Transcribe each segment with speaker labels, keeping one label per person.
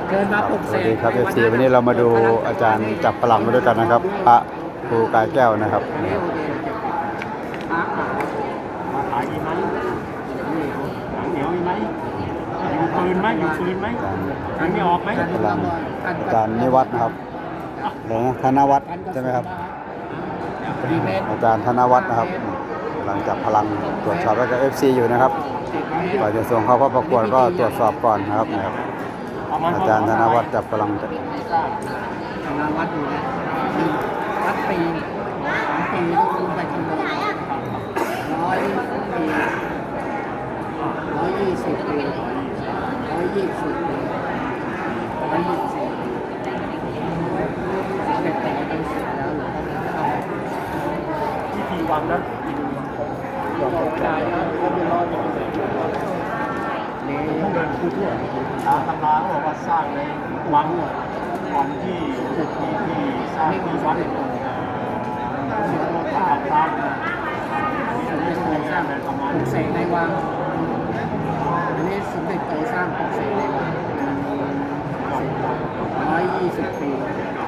Speaker 1: เชิญมาปลุก
Speaker 2: ส
Speaker 1: เส
Speaker 2: วัส
Speaker 1: ก
Speaker 2: ดีครับเอฟซีวันนี้เรามาดูอาจารย์จับพลังมาด้วยกันนะครับพระครูกายแก้วนะครับ
Speaker 1: พระขายดีไหมหนังเหนียวมีไหมอยู่ปืนไหมอยู่ปืนไหมมันไม่ออกไหม
Speaker 2: พลังอาจารย์นิวัฒน์นะครับหลวงธนวัฒน์ใช่ไหมครับอาจารย์ธนวัฒน์นะครับกำลังจับพลังตรวจสอบแล้วก็เอฟซีอยู่นะครับก่อนจะส่งเข้าประกวดก็ตรวจสอบก่อนนะครับอาจารย์ธนวัฒน์จับพลัง
Speaker 1: ธนวัฒน์อยู่นะวัดปี2 ปีคุณไปคำนวณ100 ปี120 ปี120 ปี124เด็กแต่เป็นเสียแล้วหรือเขาไม่เข้าที่ทีวันนะบอกได้นะเขาไม่รอดนี่ต้องเดินคู่ทั่วตามตำราเขาบอกว่าสร้างในวังที่สร้างที่วัดตามสมเด็จโตสร้างในประมาณปลุกเสกในวังอันนี้สมเด็จโตสร้างปลุกเสกในวัง120 ปี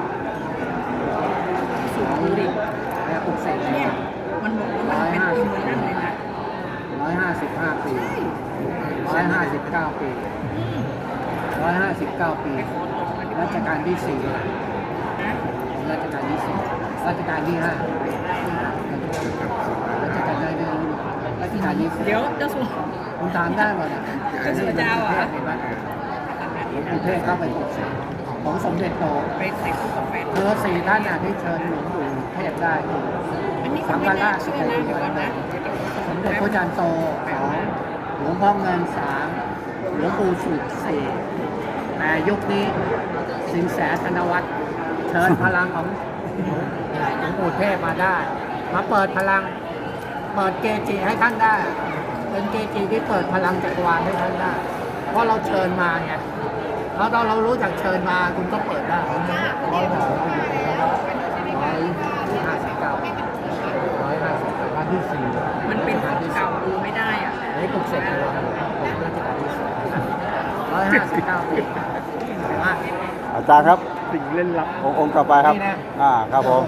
Speaker 1: สูงดิแล้วปลุกเสกในวัง
Speaker 3: มันบอกว่ามันเป็นตัวนั่นเลยนะ
Speaker 1: 155 ปี159 ปี159 ปีรัชกาลที่ 4รัชกาลที่ 4รัชกาลที่ 5รัชกาลได้เรื่องรัชกาลที่
Speaker 3: เดี๋ยวเจ้าสัว
Speaker 1: คุณถามได้หมดอ่ะ
Speaker 3: เจ้าสัวเจ้าอ่ะ
Speaker 1: หลวงปู่เทศเข้าไปปลุกเสกของสมเด็จโต
Speaker 3: ไปเสกคู่กับแฟน
Speaker 1: 4 ท่านที่เชิญหลวงปู่เทศได้
Speaker 3: อันนี้
Speaker 1: สั
Speaker 3: เขา
Speaker 1: ง
Speaker 3: ไม่
Speaker 1: ฆรา
Speaker 3: น่า
Speaker 1: ช
Speaker 3: เชื่อนะเดี๋ยวก่อนนะ
Speaker 1: สมเด็จพระจันทร์โต2หลวงพ่อเงิน3หลวงปู่สุด4แต่ยุคนี้สินแสธนวัฒน์เชิญพลังของหลวงปู่เทพมาได้ มาเปิดพลังเปิดเกจิให้ท่านได้ เป็นเกจิที่เปิดพลังจักรวาลให้ท่านได้ เพราะเราเชิญมาไงแล้วเรารู้จักเชิญมาคุณก็เปิดได้159วันที่ 4
Speaker 3: มันเป็นของเก่าดูไม่ได้อ่ะ
Speaker 1: ให้ปลุกเสกในวังรัชกาลที่ 4 159 ปีมา
Speaker 2: อาจารย์ครับ
Speaker 1: สิ่งเล่นลับ
Speaker 2: องค์ต่อไปครับครับผม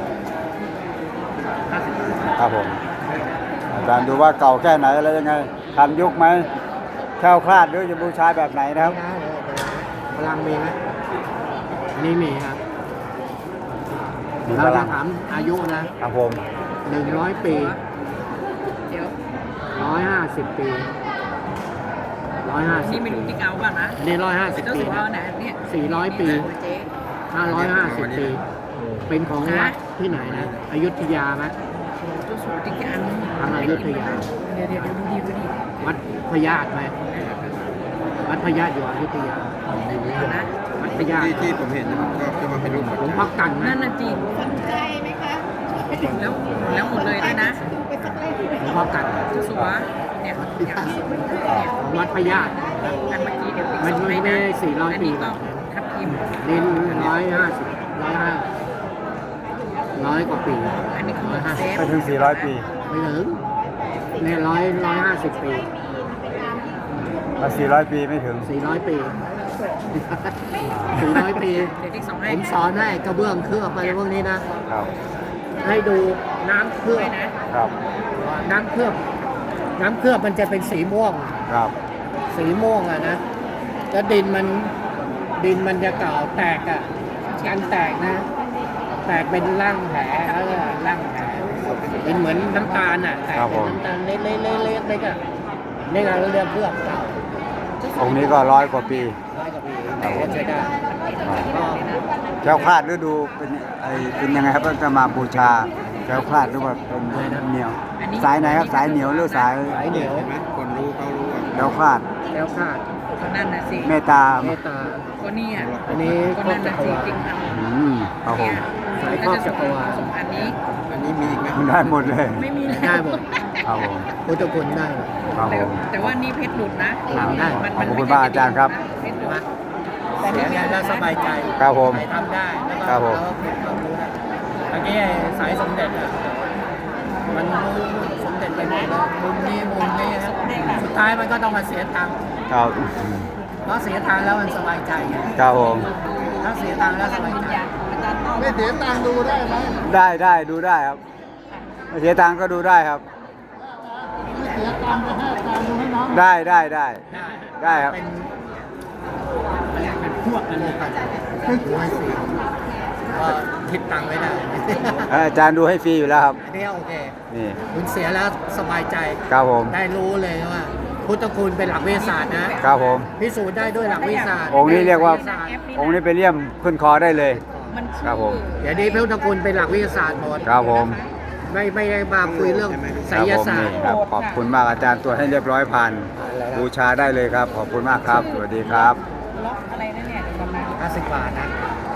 Speaker 2: ครับผมอาจารย์ดูว่าเก่าแค่ไหนอะไรยังไงทันยุคไหมแคล้วคลาดหรือจะบูชาแบบไหนนะครับ
Speaker 1: พลังมีไหมนี่มีครับ
Speaker 2: มีพ
Speaker 1: เรา
Speaker 2: ลั
Speaker 1: จะ
Speaker 2: ง
Speaker 1: ถามอายุนะครับ
Speaker 2: ผม
Speaker 1: 100 ปี
Speaker 3: เดี๋ยว
Speaker 1: 150 ปี
Speaker 3: นี่ไม่รู้ที่เก่าป่ะนะ
Speaker 1: อันนี้150
Speaker 3: เจ้า
Speaker 1: ปี
Speaker 3: สัว
Speaker 1: นะ
Speaker 3: นะเนี่ย
Speaker 1: 400 ปี
Speaker 3: เจ๊
Speaker 1: 550 ปี เป็นของวัดที่ไหนนะอยุธยาไหม
Speaker 3: เจ้าสัวที่กัน
Speaker 1: ทางอยุธยา
Speaker 3: เดี๋ยวดูดีดูดี
Speaker 1: วัดพญาตไหมวัดพญาตอยู่อยุธยา
Speaker 3: นะ
Speaker 1: วัดพญาต
Speaker 4: ที่ผมเห็นนะครับก็จะมาเป็นรูป
Speaker 1: หลวงพ่อกัน
Speaker 3: นั่
Speaker 1: นะ
Speaker 3: นน่ะจริงสนใจไหมคะแล้วหมดเลยด้วยนะ
Speaker 1: หลวงพ่อกัน
Speaker 3: เจ้าสัวเนี่ยอย่างเนี่ย
Speaker 1: ของวัดพญาต
Speaker 3: อันเมื่อกี้เดี๋ยว
Speaker 1: มัน
Speaker 3: ส่ง
Speaker 1: ไม่
Speaker 3: ให้
Speaker 1: ได้
Speaker 3: นะ
Speaker 1: 400
Speaker 3: อัน
Speaker 1: ปี
Speaker 3: นี้ก็ทับทิม
Speaker 1: ดิน100 กว่าปี
Speaker 3: อันนี้คือเซฟ
Speaker 2: ไปถึง 400 ปี
Speaker 1: ไม่ถึงเนี่ย150 ปี
Speaker 2: 400 ปีไม่ถึง
Speaker 1: 400 ปี 400 ปี
Speaker 3: เดี๋ยวที่ส่ง
Speaker 1: ผ
Speaker 3: ให้
Speaker 1: มสอนให้กระเบื้องเคลือบไปพวกนี้นะ
Speaker 2: ครับ
Speaker 1: ให้ดูน้ำเคลือบ
Speaker 3: ด้วยนะครับ
Speaker 1: น้ำเคลือบ น้ำเคลือบมันจะเป็นสีม่วง
Speaker 2: ครับ
Speaker 1: สีม่วงอะนะแล้วดินมันจะเก่าแตกอะการแตกนะ แตกเป็นร่างแผลแล้วก็ร่างแผลเป็นเหมือนน้ำตาลอะแตกเป็นน้ำตาลเล็กๆๆๆอะนี่เราเรียกเคลือบเก่า
Speaker 2: องค์นี้ก็100 กว่าปี
Speaker 1: 100 กว่าปีแต่ว่าใช้ได้ก็
Speaker 2: แคล้วคลาดหรือดูเป็นยังไงครับจะมาบูชาแคล้วคลาดหรือว่าเป็นเหนียวสายไหนครับสายเหนียวหรือสาย
Speaker 1: สายเหนียว
Speaker 4: เห็นไหมคนรู้เขารู้ว่า
Speaker 2: แคล้วคลาด
Speaker 1: แล้วคาด
Speaker 3: ก็นั่นน่ะสิ
Speaker 2: เมตตา
Speaker 1: เมตตา
Speaker 3: ก็เนี่ย
Speaker 1: อันนี้
Speaker 3: ก็
Speaker 1: ครอ
Speaker 3: นั่
Speaker 1: บ
Speaker 3: น
Speaker 1: จั
Speaker 3: น่ะ
Speaker 1: กร
Speaker 3: สิ
Speaker 1: วาล
Speaker 3: จริงๆ
Speaker 2: ครับผม
Speaker 1: สายครอบจักรวาล
Speaker 3: สมอันนี้
Speaker 4: อันนี้มีอีกไหม
Speaker 2: ได้หมดเลย
Speaker 3: ไม่มี
Speaker 1: ได้หมด
Speaker 2: ครับผม
Speaker 1: พุทธคุณได้หมด
Speaker 2: ครับผม
Speaker 3: แต่ว่านี่เพชรหลุดนะ
Speaker 1: ได้
Speaker 2: ขอบคุณมากอาจารย์ครับ
Speaker 3: เพชรหลุด
Speaker 1: แต่เสียงแล้วสบายใจ
Speaker 2: ครับผม
Speaker 1: ใครทำได้แล้วก็
Speaker 2: ครับผม
Speaker 1: เราก็เก็บความรู้ได้เมื่อกี้ไอ้สายสมเด็จอะมันรู้สมเด็จไปหมดแล้วมุมนี้ครับสุดท้ายมันก็ต้องมาเสียตังค์
Speaker 2: ครับ
Speaker 1: มราะเสียตังค์แล้วมันสบายใจไง
Speaker 2: ครับผม
Speaker 1: ถ้าเสียตังค์แล้วสบายใจ
Speaker 3: ไม่เสียตังค์ดูได้ไหม
Speaker 2: ได้ดูได้ครับไม่เสียตังค์ก็ดูได้ครับ
Speaker 3: ไม่เสียตังค์ไปให้ตังค์ดูให้น้อง
Speaker 2: ได้ครับ
Speaker 1: เป็นพวกกันเลยกันดูให้ฟรีก็คิดตังค์ไว้ได้
Speaker 2: อาจารย์ดูให้ฟรีอยู่แล้วครับ
Speaker 1: อันนี้โอเค
Speaker 2: นี่
Speaker 1: คุณเสียแล้วสบายใจ
Speaker 2: ครับผม
Speaker 1: ได้รู้เลยว่า พุทธคุณเป็นหลักวิทยาศาสตร์นะครับ
Speaker 2: ผม
Speaker 1: พิสูจน์ได้ด้วยหลักวิทยาศาสตร์
Speaker 2: องค์นี้เรียกว่า
Speaker 1: วิทศสต
Speaker 2: องค์นี้ไปเลี่ยมขึ้นคอได้เลย ครับผม
Speaker 1: เดี๋ยวนี้พุทธคุณเป็นหลักวิทยาศาสตร์หมด
Speaker 2: ครับผม
Speaker 1: ไม่ได้มาคุยเรื่องไส
Speaker 2: ครับ
Speaker 1: ย
Speaker 2: ผม
Speaker 1: ศาสต
Speaker 2: นี่
Speaker 1: ร์
Speaker 2: ครับขอบคุณมากอาจารย์ตรวจให้เรียบร้อยผ่านบูชาได้เลยครับ ขอบคุณมากครับ สวัสดีครับ
Speaker 3: ล็อกอะไรนั่นเนี่ยเดี๋ยวก่อนนะ
Speaker 1: 50 บาทนะ